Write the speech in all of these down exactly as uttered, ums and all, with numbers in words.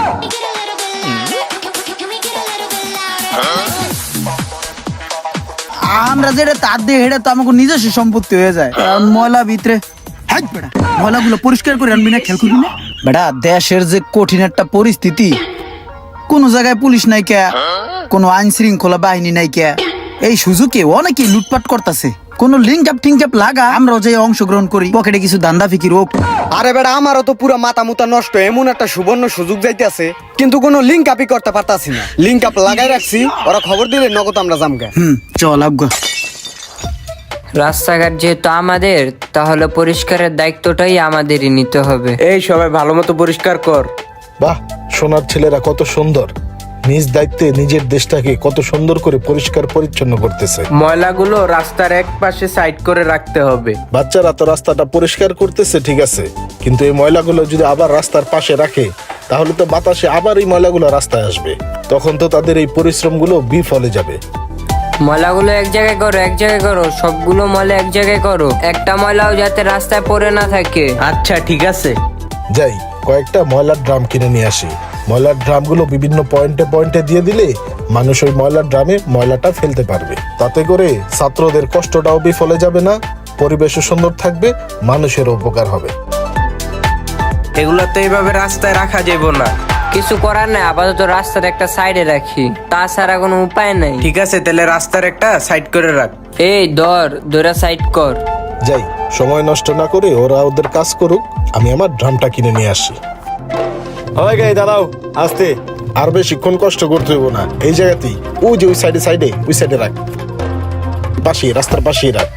আমরা যেটা তার দিয়ে হেঁটে তো আমাকে নিজস্ব সম্পত্তি হয়ে যায়, কারণ ময়লা ভিতরে ময়লাগুলো পরিষ্কার করে আনবি না, খেয়াল করবি না বেটা। দেশের যে কঠিন একটা পরিস্থিতি, কোন জায়গায় পুলিশ নাই কে, কোনো আইন শৃঙ্খলা বাহিনী নাই কে, এই সুযোগে অনেকেই লুটপাট করতেছে। কোন লিঙ্ক আপ টিঙ্ক আপ লাগা আমরাও যে অংশগ্রহণ করি, পকেটে কিছু দান্দা ফিকির হোক। আরে বেটা, আমারও তো পুরো মাথা মুতা নষ্ট, এমন একটা সুবর্ণ সুযোগ যাইতেছে, কিন্তু কোনো লিঙ্ক আপই করতে পারতাছি না। লিঙ্ক আপ লাগাই রাখছি, ওরা খবর দিলে নগদ আমরা জামগা। হুম, চল আবগা। রাস্তাঘাট যেহেতু আমাদের, তাহলে পরিষ্কারের দায়িত্বটাই আমাদেরই নিতে হবে। এই সবাই ভালো মতো পরিষ্কার কর। বাহ, সোনার ছেলেরা কত সুন্দর, নিজ দায়িত্বে নিজের দেশটাকে কত সুন্দর করে পরিষ্কার পরিচ্ছন্ন করতেছে। ময়লাগুলো রাস্তার এক পাশে সাইড করে রাখতে হবে। বাচ্চারা তো রাস্তাটা পরিষ্কার করতেছে ঠিক আছে, কিন্তু এই ময়লাগুলো যদি আবার রাস্তার পাশে রাখে, তাহলে তো বাতাসে আবার এই ময়লাগুলো রাস্তায় আসবে, তখন তো তাদের এই পরিশ্রমগুলো বিফলে যাবে। ময়লাগুলো এক জায়গায় করো, এক জায়গায় করো, সবগুলো ময়লা এক জায়গায় করো, একটা ময়লাও যাতে রাস্তায় পড়ে না থাকে। আচ্ছা ঠিক আছে। যাই কয়েকটা ময়লার ড্রাম কিনে নিয়ে আসি। ময়লার ড্রামগুলো বিভিন্ন পয়েন্টে পয়েন্টে দিয়ে দিলে মানুষ ওই ময়লার ড্রামে ময়লাটা ফেলতে পারবে। তাতে করে ছাত্রদের কষ্টটাও বিফলে যাবে না, পরিবেশও সুন্দর থাকবে, মানুষের উপকার হবে। এগুলো তো এইভাবে রাস্তায় রাখা যাবে না। কিছু করার নাই, আপাতত রাস্তার একটা সাইডে রাখি, তাছাড়া কোনো উপায় নাই। ঠিক আছে, তাহলে রাস্তার একটা সাইড করে রাখ। এই ধর, ধরে সাইড কর। যাই, সময় নষ্ট না করে ওরা ওদের কাজ করুক, আমি আমার ড্রামটা কিনে নিয়ে আসি। ওই গাই দাঁড়াও, আস্তে। আর বেশিক্ষণ কষ্ট করতে হইব না, এই জায়গাতেই, ওই যে ওই সাইডে সাইডে ওই সাইডে রাখ, পাশে রাস্তার পাশেই রাখ।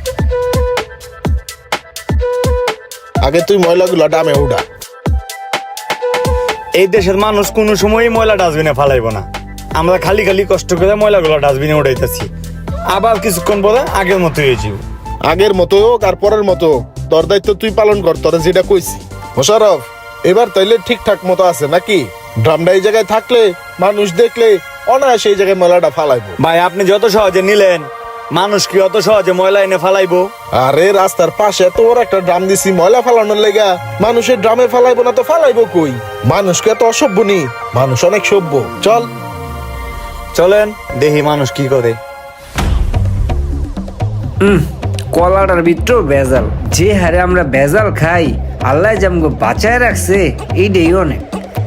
আগে তুই ময়লাগুলো ডামে উঠা। এই দেশের মানুষ কোনো সময়ই ময়লা ডাস্টবিনে ফালাইব না। আমরা খালি খালি কষ্ট করে ময়লাগুলো ডাস্টবিনে উঠাইতেছি, আবার কিছুক্ষণ পরে আগের মতো হয়ে যাবো। আগের মতো হোক আর পরের মতো হোক, তোর দায়িত্ব তুই পালন কর, তোরা যেটা কইছি। মোশাররফ, এবার তাইলে ঠিকঠাক মতো আছে নাকি? ড্রামটা এই জায়গায় থাকলে মানুষ দেখলে অনায়াসে এই জায়গায় ময়লাটা ফালাইবো। ভাই, আপনি যত সহজে নিলেন, মানুষ কি অত সহজে ময়লা এনে ফালাইবো? আরে রাস্তার পাশে এত বড় একটা ড্রাম দিছি ময়লা ফালানোর লেগা, মানুষের ড্রামে ফালাইবো না তো ফালাইবো কই? মানুষকে এত অসভ্য নি, মানুষ অনেক সভ্য। চল চলেন দেখি মানুষ কি করে। কলাটার ভিতরেও ভেজাল, যে হারে আমরা ভেজাল খাই, আল্লাহ যে আমাকে বাঁচায় রাখছে, এইটাই অনেক।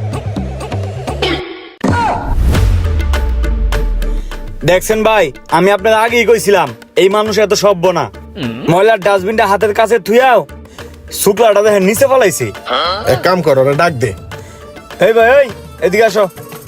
দেখছেন ভাই, আমি আপনার আগেই কইছিলাম এই মানুষ এত সভ্য না। ময়লার ডাস্টবিনটা হাতের কাছে থুয়াও শুক্লাটা দেখেন নিচে ফেলাইছে। এক কাম কর, ওরা ডাক দে। এই ভাই, এই এদিকে আসো।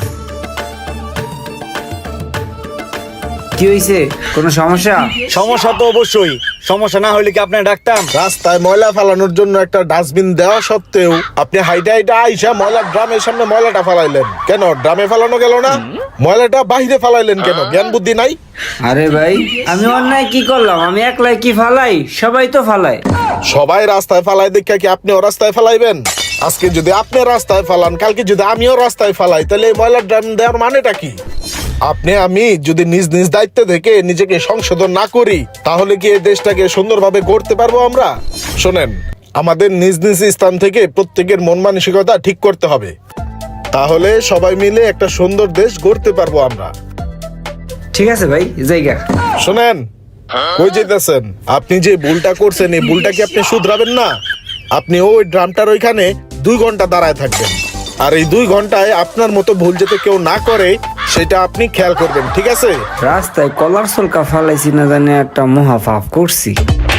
কি হয়েছে, কোনো সমস্যা? সমস্যা তো অবশ্যই, সমস্যা না হইলে কি আপনার ডাকতাম? রাস্তায় ময়লা ফালানোর জন্য একটা ডাস্টবিন দেওয়া সত্ত্বেও আপনি হাইটা হাইটা আইসা ময়লার ড্রামের সামনে ময়লাটা ফালাইলেন কেন? ড্রামে ফালানো গেল না, ময়লাটা বাহিরে ফালাইলেন কেন? জ্ঞান বুদ্ধি নাই? আরে ভাই, আমি অন্যায় কি করলাম? আমি একলাই কি ফালাই? সবাই তো ফালায়। সবাই রাস্তায় ফালাই দেখে কি আপনিও রাস্তায় ফালাইবেন? আজকে যদি আপনি রাস্তায় ফালান, কালকে যদি আমিও রাস্তায় ফালাই, তাহলে এই ময়লার ড্রাম দেওয়ার মানেটা কি? আপনি আমি যদি নিজ নিজ দায়িত্ব থেকে নিজেকে সংশোধন না করি, তাহলে কি এই দেশটাকে সুন্দরভাবে গড়তে পারবো আমরা? শোনেন, আমাদের নিজ নিজ স্থান থেকে প্রত্যেকের মন মানসিকতা ঠিক করতে হবে, তাহলে সবাই মিলে একটা সুন্দর দেশ গড়তে পারবো আমরা। ঠিক আছে ভাই, জায়গা। শোনেন, কই যেতেছেন? আপনি যে ভুলটা করছেন, এই ভুলটা কি আপনি শুধরাবেন না? আপনি ওই ড্রামটার ওইখানে দুই ঘন্টা দাঁড়ায় থাকবেন, আর এই দুই ঘন্টায় আপনার মতো ভুল যাতে কেউ না করে সেটা আপনি খেয়াল করবেন, ঠিক আছে? রাস্তায় কলার সলকা ফালাইছি না জানি একটা মহা পাপ করছি।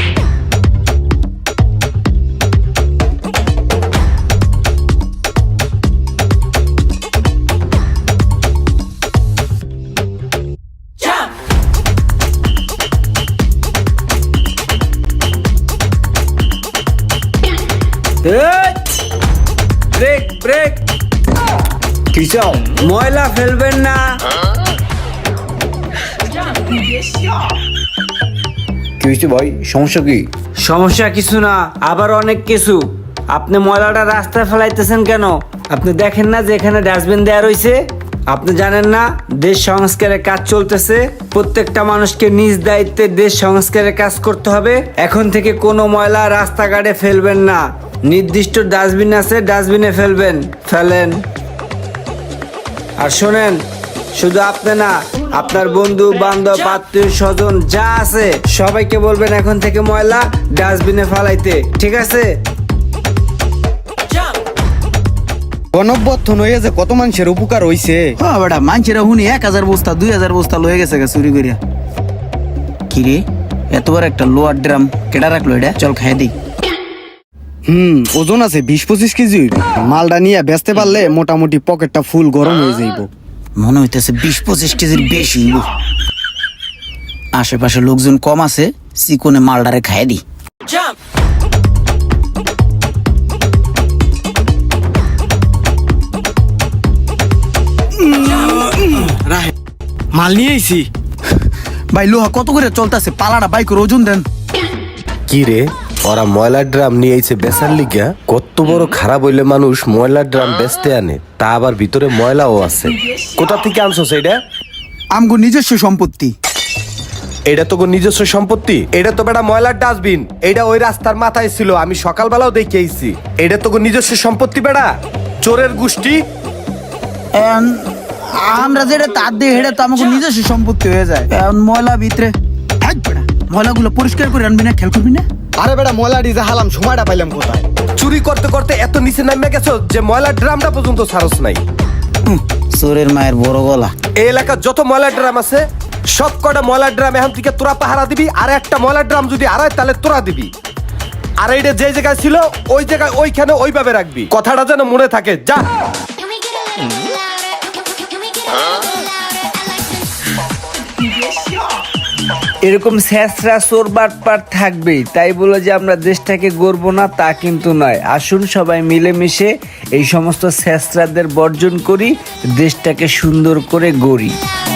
ব্রেক ব্রেক, কি চাও? ময়লা ফেলবেন না। কি হয়েছে ভাই, সমস্যা কি? সমস্যা কিছু না, আবার অনেক কিছু। আপনি ময়লাটা রাস্তায় ফেলাইতেছেন কেন? আপনি দেখেন না যে এখানে ডাস্টবিন দেওয়া রয়েছে? আপনি জানেন না দেশ সংস্কারের কাজ চলতেছে? প্রত্যেকটা মানুষকে নিজ দায়িত্বে দেশ সংস্কারের কাজ করতে হবে। এখন থেকে কোনো ময়লা রাস্তাঘাটে ফেলবেন না, নির্দিষ্ট ডাস্টবিন আছে, ডাস্টবিনে ফেলবেন। ফেলেন। আর শোনেন, শুধু আপনি না, আপনার বন্ধু বান্ধব আত্মীয় স্বজন যা আছে সবাইকে বলবেন এখন থেকে ময়লা ডাস্টবিনে ফালাইতে, ঠিক আছে? গণবর্ধন হয়ে যে কত মানুষের উপকার হইছে। হ্যাঁ বেটা, মানুষেরা হুনি এক হাজার বস্তা দুই হাজার বস্তা লয়ে গেছে গা চুরি করিয়া। কি রে, এতবার একটা লোয়ার ড্রাম কেডা রাখলো এটা? চল খাই দিই। হুম, ওজন আছে বিশ পঁচিশ কেজি হইবে। মালটা নিয়ে বেচতে পারলে মোটামুটি পকেটটা ফুল গরম হয়ে যাইব। মনে হইতেছে বিশ পঁচিশ কেজির বেশি হইব। আশেপাশে লোকজন কম আছে, চিকনে মালডারে খাই দিই। মাল নিয়ে আইছি। ভাই লোহা কত করে চলতেছে? পালাটা বাইক ওজন দেন। কি রে, ওরা ময়লার ড্রাম নিয়ে আইছে বেচার লিগা? কত বড় খারাপ হইলে মানুষ ময়লার ড্রাম বেচতে আনে, তা আবার ভিতরে ময়লাও আছে। কোথা থেকে আনছো এটা? আমগো নিজস্ব সম্পত্তি। এটা তো নিজস্ব সম্পত্তি? এটা তো বেটা ময়লার ডাস্টবিন, এটা ওই রাস্তার মাথায় ছিল, আমি সকালবেলাও দেখে আইছি। এটা তো নিজস্ব সম্পত্তি বেটা, চোরের গোষ্ঠী। এখন আমরা যেটা তার দিয়ে হেঁটে তো আমাকে নিজস্ব সম্পত্তি হয়ে যায়। এখন ময়লা ভিতরে হ্যাঁ বেটা, ময়লাগুলো পরিষ্কার করে আনবি না, খেয়াল করবি না? আরে বেটা, ময়লা ডিজে হালাম, সময়টা পাইলাম কোথায়? চুরি করতে করতে এত নিচে নামে গেছো যে ময়লার ড্রামটা পর্যন্ত সারস নাই। হুম, চোরের মায়ের বড় গলা। এই এলাকার যত ময়লার ড্রাম আছে সব কটা ময়লার ড্রাম এখন থেকে তোরা পাহারা দিবি, আর একটা ময়লার ড্রাম যদি আড়াই তাহলে তোরা দিবি। আর এইটা যে জায়গায় ছিল ওই জায়গায় ওইখানে ওইভাবে রাখবি, কথাটা যেন মনে থাকে। যা। Can we get a little louder? Can we get a little louder? এরকম স্যাঁচরা চোর বাটপার থাকবেই, তাই বলে যে আমরা দেশটাকে গড়বো না তা কিন্তু নয়। আসুন সবাই মিলেমিশে এই সমস্ত স্যাঁচরাদের বর্জন করি, দেশটাকে সুন্দর করে গড়ি।